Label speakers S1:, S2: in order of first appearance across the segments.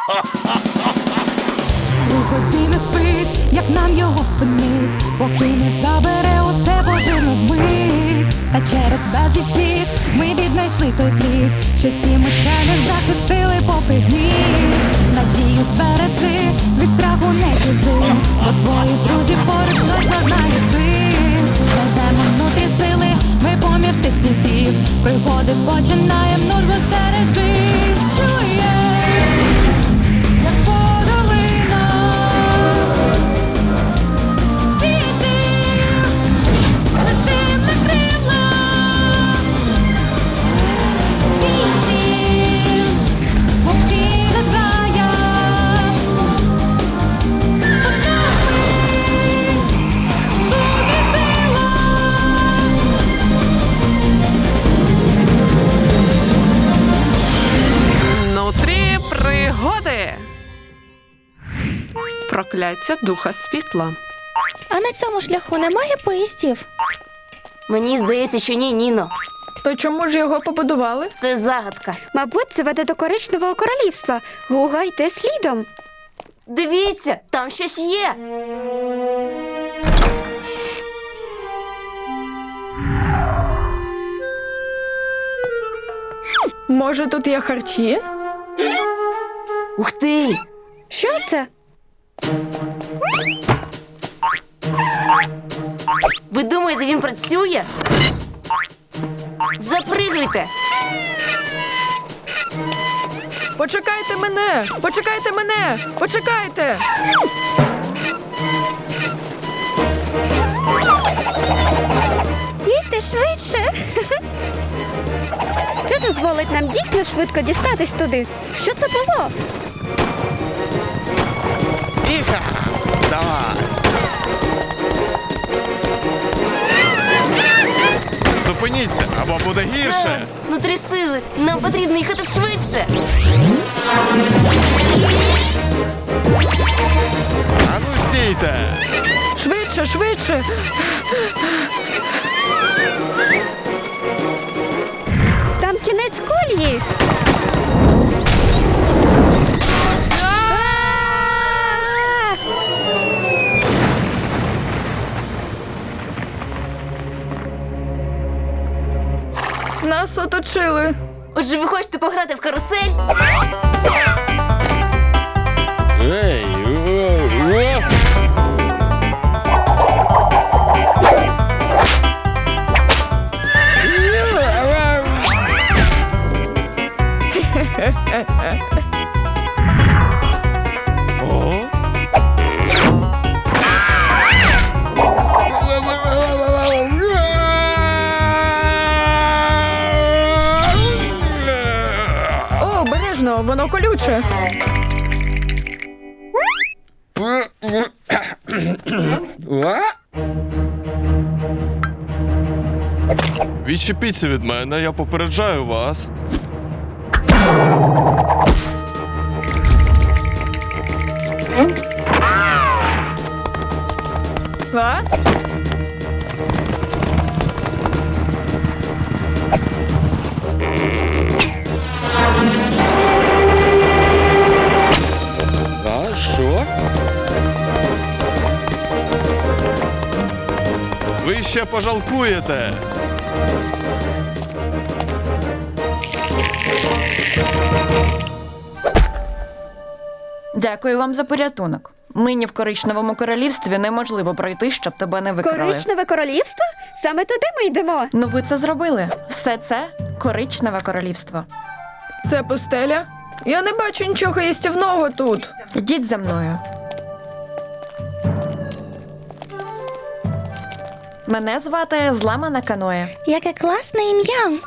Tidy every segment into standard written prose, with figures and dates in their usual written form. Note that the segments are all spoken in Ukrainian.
S1: Приході не спить, як нам його спинить, поки не забере усе божевну вмить. Та через безліч літ ми віднайшли той плід, що сім учених захистили попри гнів. Надію збережи, від страху не чужи, бо твої друзі поруч точно знаєш ти. Знайдемо внутрі сили, ми поміж тих світів, пригоди починаєм, нужно стережи. Чуєш, як подолина світів, летим на крилах вітрів, мовкіна зграя.
S2: Внутрі пригоди. Прокляття духа світла.
S3: А на цьому шляху немає поїздів?
S4: Мені здається, що ні, Ніно.
S5: То чому ж його побудували?
S4: Це загадка.
S3: Мабуть, це веде до коричневого королівства. Гуга, йде слідом.
S4: Дивіться, там щось є.
S5: Може, тут є харчі?
S4: Ух ти!
S3: Що це?
S4: Ви думаєте, він працює? Запригуйте!
S5: Почекайте мене! Почекайте мене! Почекайте!
S3: Їдьте швидше. Це дозволить нам дійсно швидко дістатись туди. Що це було?
S6: Іха! Давай! Зупиніться, або буде гірше!
S4: Внутрі сили! Нам потрібно їхати швидше!
S6: А ну стійте!
S5: Швидше, швидше!
S3: Там кінець колії.
S5: Нас оточили!
S4: Отже, ви хочете пограти в карусель?
S7: Ей,
S6: О?
S5: О, обережно, воно колюче!
S6: Відчепіться від мене, я попереджаю вас.
S5: А?
S7: А що?
S6: Ви ще пожалкуєте.
S8: Дякую вам за порятунок. Нині в коричневому королівстві неможливо пройти, щоб тебе не викрали.
S3: Коричневе королівство? Саме туди ми йдемо.
S8: Ну ви це зробили. Все це коричневе королівство.
S5: Це пустеля? Я не бачу нічого їстівного тут.
S8: Йдіть за мною. Мене звати Зламана Каноє.
S3: Яке класне ім'я.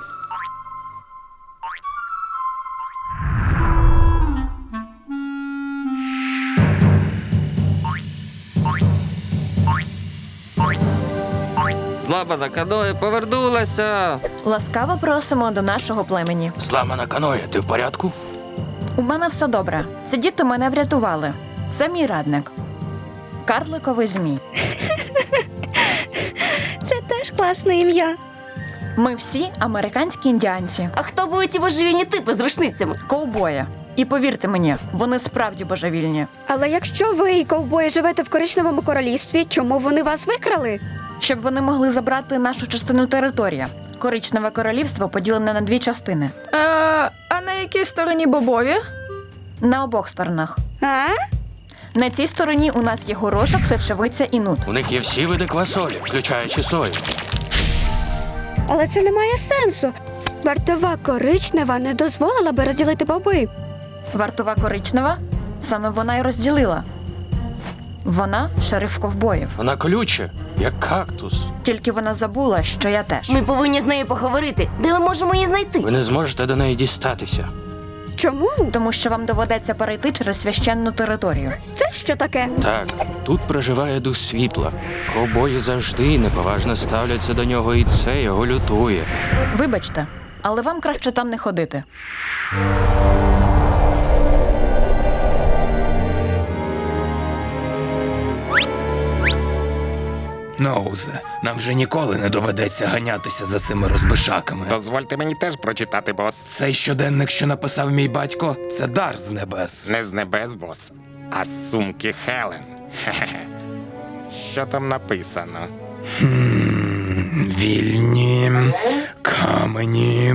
S7: Зламана каноє повернулася.
S8: Ласкаво просимо до нашого племені.
S7: Зламана каноє, ти в порядку?
S8: У мене все добре. Ці діти мене врятували. Це мій радник. Карликовий змій.
S3: Це теж класне ім'я.
S8: Ми всі американські індіанці.
S4: А хто будуть ті божевільні типи з рушницями?
S8: Ковбої. І повірте мені, вони справді божевільні.
S3: Але якщо ви і ковбої живете в коричневому королівстві, чому вони вас викрали?
S8: Щоб вони могли забрати нашу частину території. Коричневе королівство поділене на 2 частини.
S5: А на якій стороні бобові?
S8: На обох сторонах.
S3: А?
S8: На цій стороні у нас є горошок, сочевиця і нут.
S7: У них є всі види квасолі, включаючи сою.
S3: Але це не має сенсу. Вартова коричнева не дозволила би розділити боби.
S8: Вартова коричнева? Саме вона й розділила. Вона шериф ковбоїв.
S7: Вона колюча, як кактус.
S8: Тільки вона забула, що я теж.
S4: Ми повинні з нею поговорити. Де ми можемо її знайти?
S7: Ви не зможете до неї дістатися.
S3: Чому?
S8: Тому що вам доведеться перейти через священну територію.
S3: Це що таке?
S7: Так, тут проживає дух світла. Ковбої завжди неповажно ставляться до нього, і це його лютує.
S8: Вибачте, але вам краще там не ходити.
S9: Ноузе, нам вже ніколи не доведеться ганятися за цими розбишаками.
S10: Дозвольте мені теж прочитати, бос.
S9: Цей щоденник, що написав мій батько, це дар з небес.
S10: Не з небес, бос, а з сумки Хелен. Хе-хе-хе. Що там написано?
S9: Вільні камені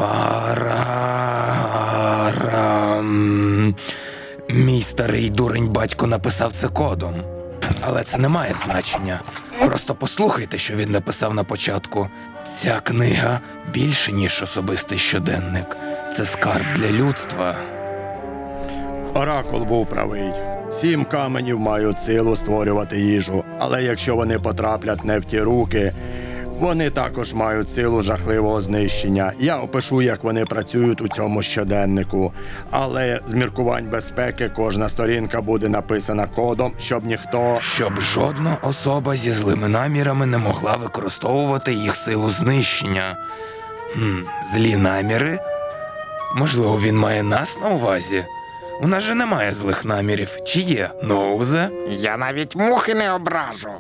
S9: фара. Мій старий дурень батько написав це кодом. Але це не має значення. Просто послухайте, що він написав на початку. Ця книга більше, ніж особистий щоденник. Це скарб для людства.
S11: Оракул був правий. 7 каменів мають силу створювати їжу, але якщо вони потраплять не в ті руки, вони також мають силу жахливого знищення. Я опишу, як вони працюють у цьому щоденнику. Але з міркувань безпеки кожна сторінка буде написана кодом, щоб ніхто...
S9: Щоб жодна особа зі злими намірами не могла використовувати їх силу знищення. Злі наміри? Можливо, він має нас на увазі? У нас же немає злих намірів. Чи є, Ноузе?
S10: Я навіть мухи не ображу.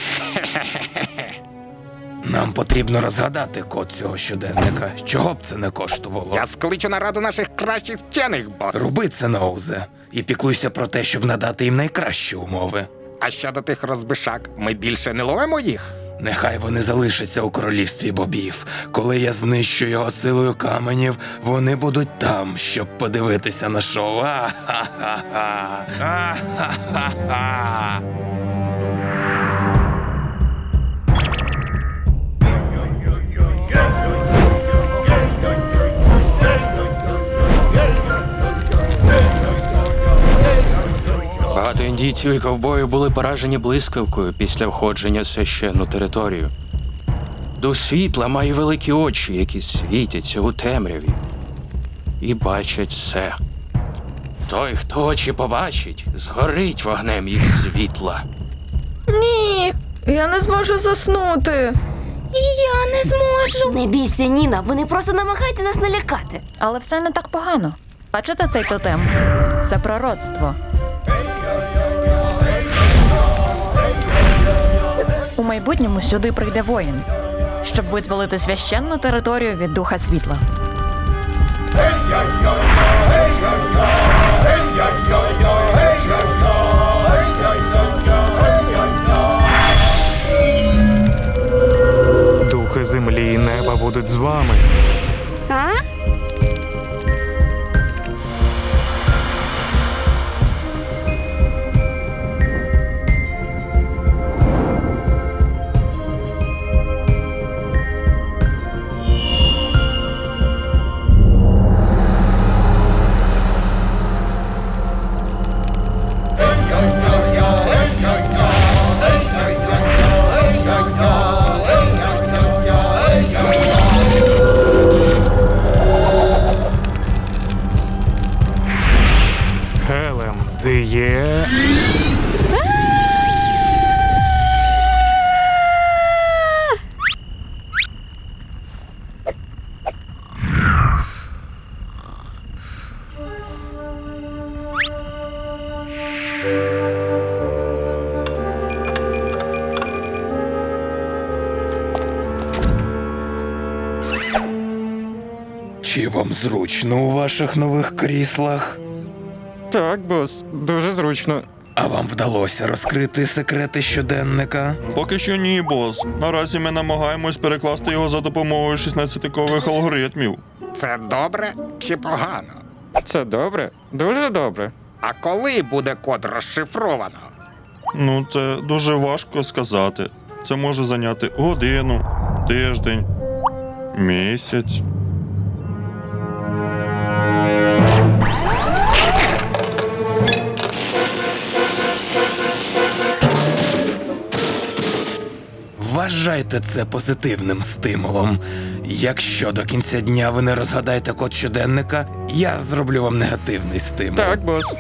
S9: Нам потрібно розгадати код цього щоденника. Чого б це не коштувало?
S10: Я скличу нараду наших кращих вчених, бос.
S9: Роби це, Ноузе, і піклуйся про те, щоб надати їм найкращі умови.
S10: А щодо тих розбишак, ми більше не ловимо їх?
S9: Нехай вони залишаться у королівстві бобів. Коли я знищу його силою каменів, вони будуть там, щоб подивитися на шоу. А-ха-ха-ха! А-ха-ха-ха!
S7: Багато індійців і ковбоїв були поражені блискавкою після входження в священну територію. Дух світла має великі очі, які світяться у темряві і бачать все. Той, хто очі побачить, згорить вогнем їх світла.
S5: Ні, я не зможу заснути.
S3: Я не зможу.
S4: Не бійся, Ніна, вони просто намагаються нас налякати.
S8: Але все не так погано. Бачите цей тотем? Це пророцтво. У майбутньому сюди прийде воїн, щоб визволити священну територію від духа світла.
S12: Духи землі і неба будуть з вами.
S3: А?
S9: Чи вам зручно у ваших нових кріслах?
S12: Так, бос, дуже зручно.
S9: А вам вдалося розкрити секрети щоденника?
S6: Поки що ні, бос. Наразі ми намагаємось перекласти його за допомогою 16-кових алгоритмів.
S10: Це добре чи погано?
S12: Це добре, дуже добре.
S10: А коли буде код розшифровано?
S6: Ну, це дуже важко сказати. Це може зайняти годину, тиждень, місяць.
S9: Вважайте це позитивним стимулом. Якщо до кінця дня ви не розгадаєте код щоденника, я зроблю вам негативний стимул.
S12: Так, бос.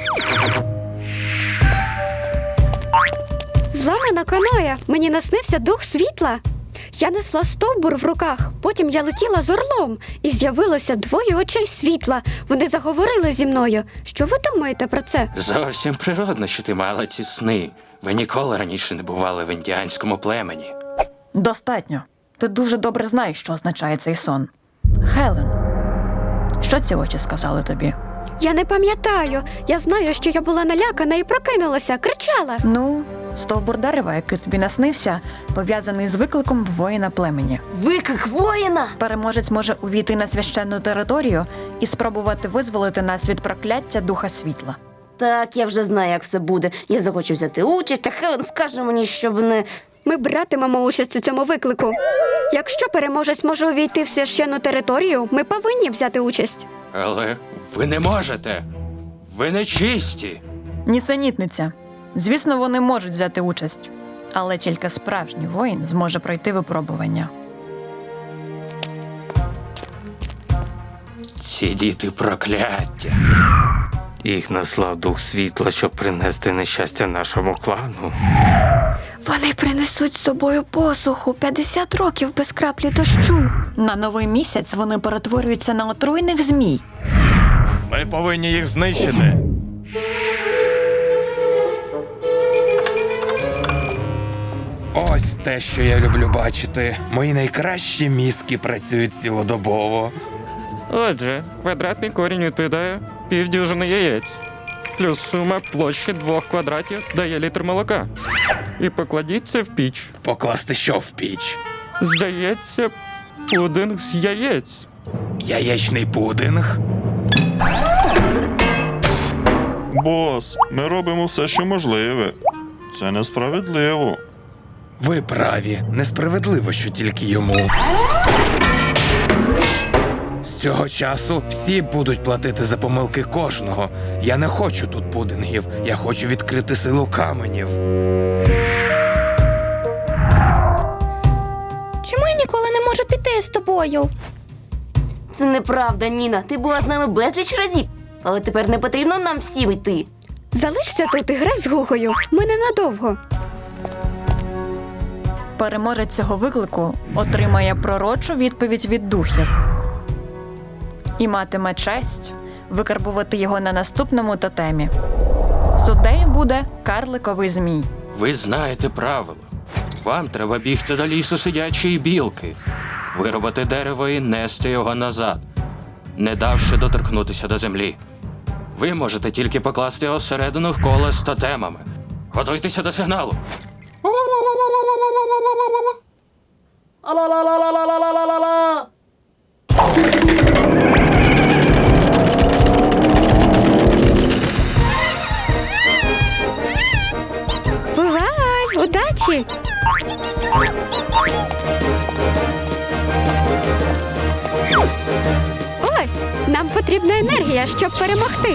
S3: Зламана каноя. Мені наснився дух світла. Я несла стовбур в руках. Потім я летіла з орлом. І з'явилося двоє очей світла. Вони заговорили зі мною. Що ви думаєте про це?
S7: Зовсім природно, що ти мала ці сни. Ви ніколи раніше не бували в індіанському племені.
S8: Достатньо. Ти дуже добре знаєш, що означає цей сон. Хелен, що ці очі сказали тобі?
S3: Я не пам'ятаю. Я знаю, що я була налякана і прокинулася, кричала.
S8: Ну, стовбур дерева, який тобі наснився, пов'язаний з викликом воїна племені.
S4: Виклик воїна!
S8: Переможець може увійти на священну територію і спробувати визволити нас від прокляття духа світла.
S4: Так, я вже знаю, як все буде. Я захочу взяти участь, та Хелен скаже мені, щоб не...
S3: Ми братимемо участь у цьому виклику. Якщо переможець може увійти в священну територію, ми повинні взяти участь.
S7: Але ви не можете. Ви не чисті.
S8: Нісенітниця. Звісно, вони можуть взяти участь, але тільки справжній воїн зможе пройти випробування.
S7: Ці діти прокляття.
S12: Їх наслав дух світла, щоб принести нещастя нашому клану.
S3: Вони принесуть з собою посуху 50 років без краплі дощу.
S8: На новий місяць вони перетворюються на отруйних змій.
S6: Ми повинні їх знищити.
S9: Ось те, що я люблю бачити. Мої найкращі мізки працюють цілодобово.
S12: Отже, квадратний корінь відповідає півдюжини яєць. Плюс сума площі 2 квадратів дає літр молока. І покладіть це в піч.
S9: Покласти що в піч?
S12: Здається, пудинг з яєць.
S9: Яєчний пудинг?
S6: Бос, ми робимо все, що можливе. Це несправедливо.
S9: Ви праві. Несправедливо, що тільки йому. З цього часу всі будуть платити за помилки кожного. Я не хочу тут пудингів. Я хочу відкрити силу каменів.
S3: Чому я ніколи не можу піти з тобою?
S4: Це неправда, Ніна. Ти була з нами безліч разів. Але тепер не потрібно нам всім йти.
S3: Залишся тут і грай з Гугою. Ми ненадовго.
S8: Переможець цього виклику отримає пророчу відповідь від духів і матиме честь викарбувати його на наступному тотемі. Суддею буде карликовий змій.
S7: Ви знаєте правила. Вам треба бігти до лісу сидячої білки, вирубати дерево і нести його назад, не давши доторкнутися до землі. Ви можете тільки покласти його всередину кола з тотемами. Готуйтеся до сигналу.
S4: Ала-ла-ла-ла-ла-ла-ла-ла-ла-ла!
S3: Бувай! Удачі! Ось! Нам потрібна енергія, щоб перемогти.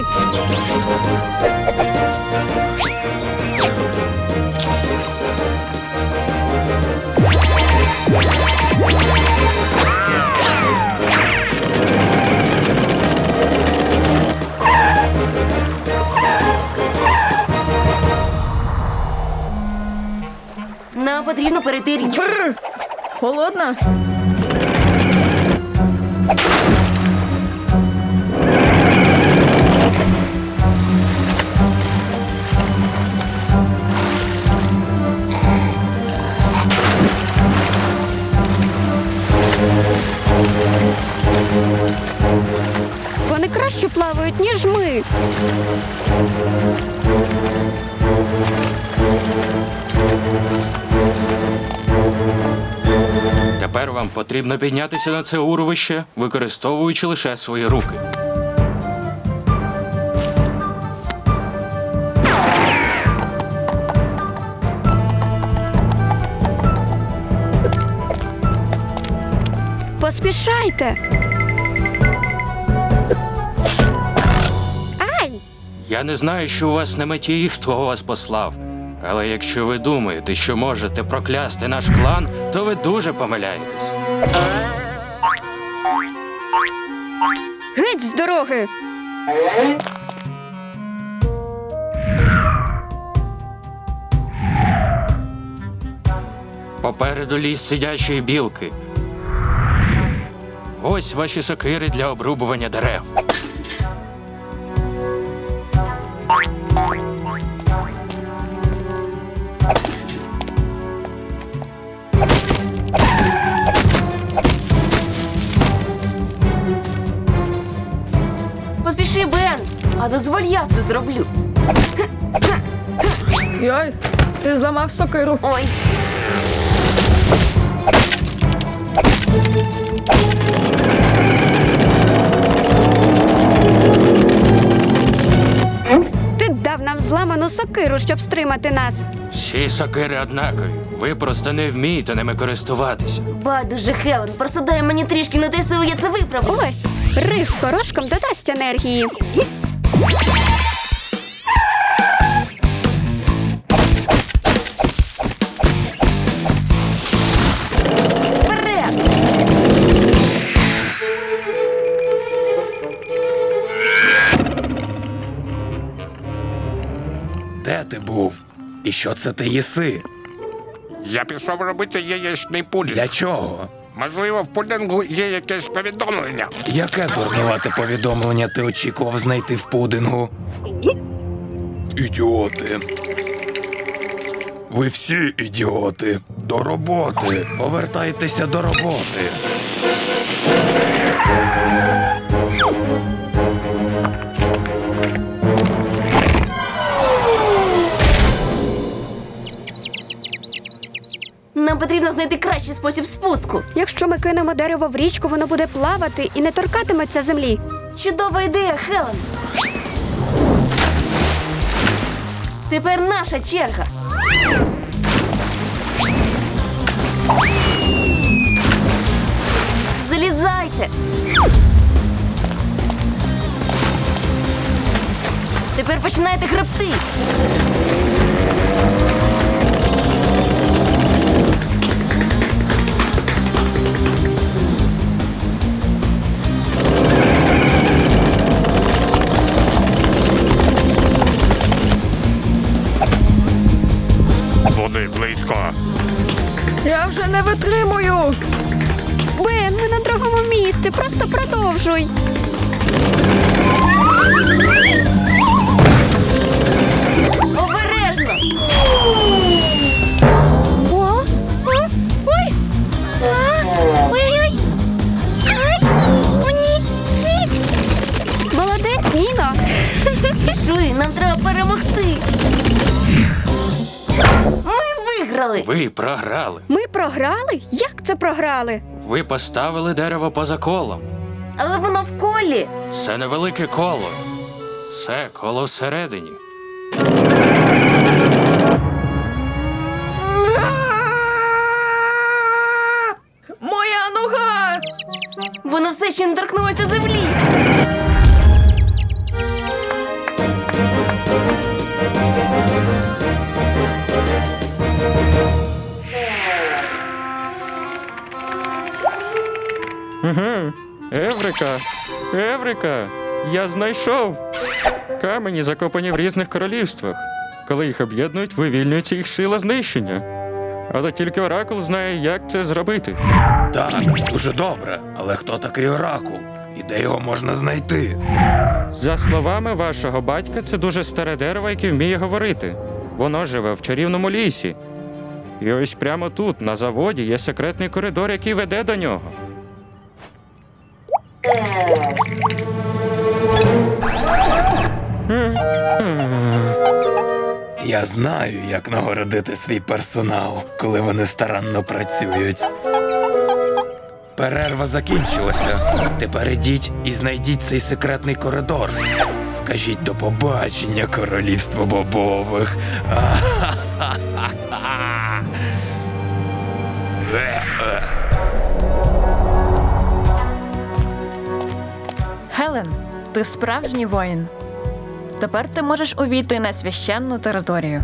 S4: Нам потрібно перейти річку.
S5: Холодна?
S3: краще плавають, ніж ми.
S7: Тепер вам потрібно піднятися на це урвище, використовуючи лише свої руки.
S3: Поспішайте. Ай!
S7: Я не знаю, що у вас на меті і хто вас послав. Але якщо ви думаєте, що можете проклясти наш клан, то ви дуже помиляєтесь.
S3: Геть з дороги!
S7: Попереду ліс сидячої білки. Ось ваші сокири для обрубування дерев.
S4: Поспіши, Бен, а дозволь я це зроблю.
S5: Йой, ти зламав сокиру.
S4: Ой.
S3: Ти дав нам зламану сокиру, щоб стримати нас.
S7: Всі сокири однакові. Ви просто не вмієте ними користуватися.
S4: Байдуже, Хелен, просто дай мені трішки на силу, я це виправлю.
S3: Ось, рис горошком додасть енергії.
S4: Вперед!
S9: Де ти був? І що це ти їси?
S10: Я пішов робити яєчний пудінг.
S9: Для чого?
S10: Можливо, в пудингу є якесь повідомлення.
S9: Яке дурнувате повідомлення ти очікував знайти в пудингу? Ідіоти. Ви всі ідіоти. До роботи. Повертайтеся до роботи.
S4: Нам потрібно знайти кращий спосіб спуску.
S3: Якщо ми кинемо дерево в річку, воно буде плавати і не торкатиметься землі.
S4: Чудова ідея, Хелен. Тепер наша черга. Залізайте. Тепер починайте гребти.
S10: Води близько.
S5: Я вже не витримую.
S3: Бен, ми на другому місці, просто продовжуй.
S4: Обережно.
S3: Ой! Ой-ой-ой! Ай! О, ні! Молодець, Ніно!
S4: Пішли, нам треба перемогти. Ми виграли.
S7: Ви програли.
S3: Ми програли? Як це програли?
S7: Ви поставили дерево поза колом.
S4: Але воно в колі.
S7: Це невелике коло. Це коло всередині.
S5: Моя нога!
S4: Воно все ще не торкнулося землі.
S12: Еврика! Еврика! Я знайшов! Камені закопані в різних королівствах. Коли їх об'єднують, вивільнюється їх сила знищення. Але тільки Оракул знає, як це зробити.
S9: Так, дуже добре. Але хто такий Оракул? І де його можна знайти?
S12: За словами вашого батька, це дуже старе дерево, яке вміє говорити. Воно живе в чарівному лісі. І ось прямо тут, на заводі, є секретний коридор, який веде до нього.
S9: Я знаю, як нагородити свій персонал, коли вони старанно працюють. Перерва закінчилася. Тепер ідіть і знайдіть цей секретний коридор. Скажіть до побачення, королівство бобових.
S8: Хелен, ти справжній воїн. Тепер ти можеш увійти на священну територію.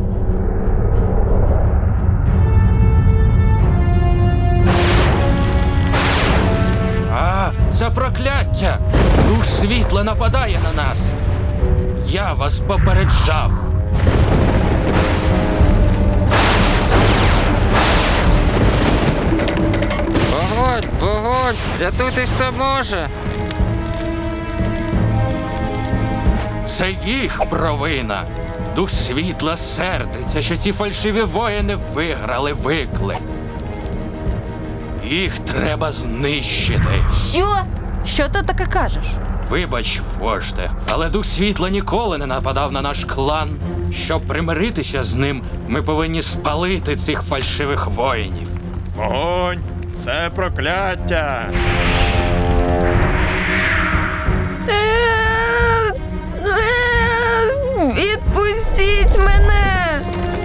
S7: Це прокляття! Дух світла нападає на нас! Я вас попереджав!
S12: Вогонь, вогонь! Рятуйтесь, хто може!
S7: Це їх провина! Дух світла сердиться, що ці фальшиві воїни виграли виклик. Їх треба знищити.
S4: Що?
S8: Що ти таке кажеш?
S7: Вибач, вожде, але Дух світла ніколи не нападав на наш клан. Щоб примиритися з ним, ми повинні спалити цих фальшивих воїнів.
S6: Вогонь! Це прокляття!
S5: Відпустіть мене!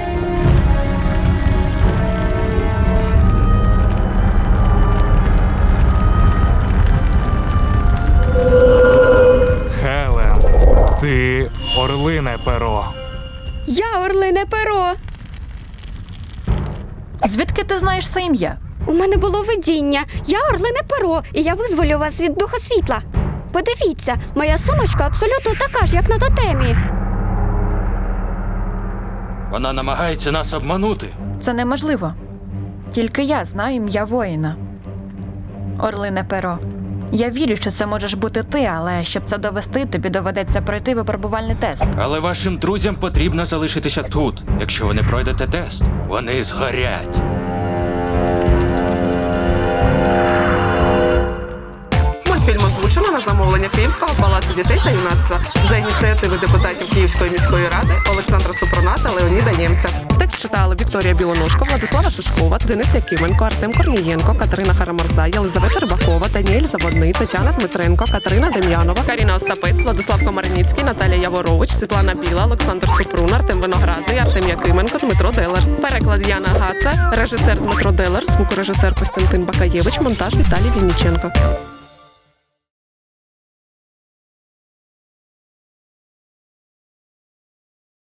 S13: Хелен, ти орлине перо.
S3: Я орлине перо.
S8: Звідки ти знаєш це ім'я?
S3: У мене було видіння. Я орлине перо, і я визволю вас від духа світла. Подивіться, моя сумочка абсолютно така ж, як на тотемі.
S7: Вона намагається нас обманути.
S8: Це неможливо. Тільки я знаю ім'я воїна. Орлине перо. Я вірю, що це можеш бути ти, але щоб це довести, тобі доведеться пройти випробувальний тест.
S7: Але вашим друзям потрібно залишитися тут. Якщо ви не пройдете тест, вони згорять.
S2: Мультфільм озвучено на замовлення Київського палацу дітей та юнацтва за ініціативи депутатів Київської міської ради Олександра Супруна та Леоніда Нємця. Текст читали Вікторія Білоножко, Владислава Шишкова, Денис Якименко, Артем Корнієнко, Катерина Хараморза, Єлизавета Рибакова, Даніель Заводний, Тетяна Дмитренко, Катерина Дем'янова, Каріна Остапець, Владислав Комарницький, Наталія Яворович, Світлана Біла, Олександр Супрун, Артем Виноградний, Артем Якименко, Дмитро Делер. Переклад Яна Гаца, режисер Дмитро Делер, звукорежисер Костянтин Бакаєвич, монтаж Віталій Вінніченко.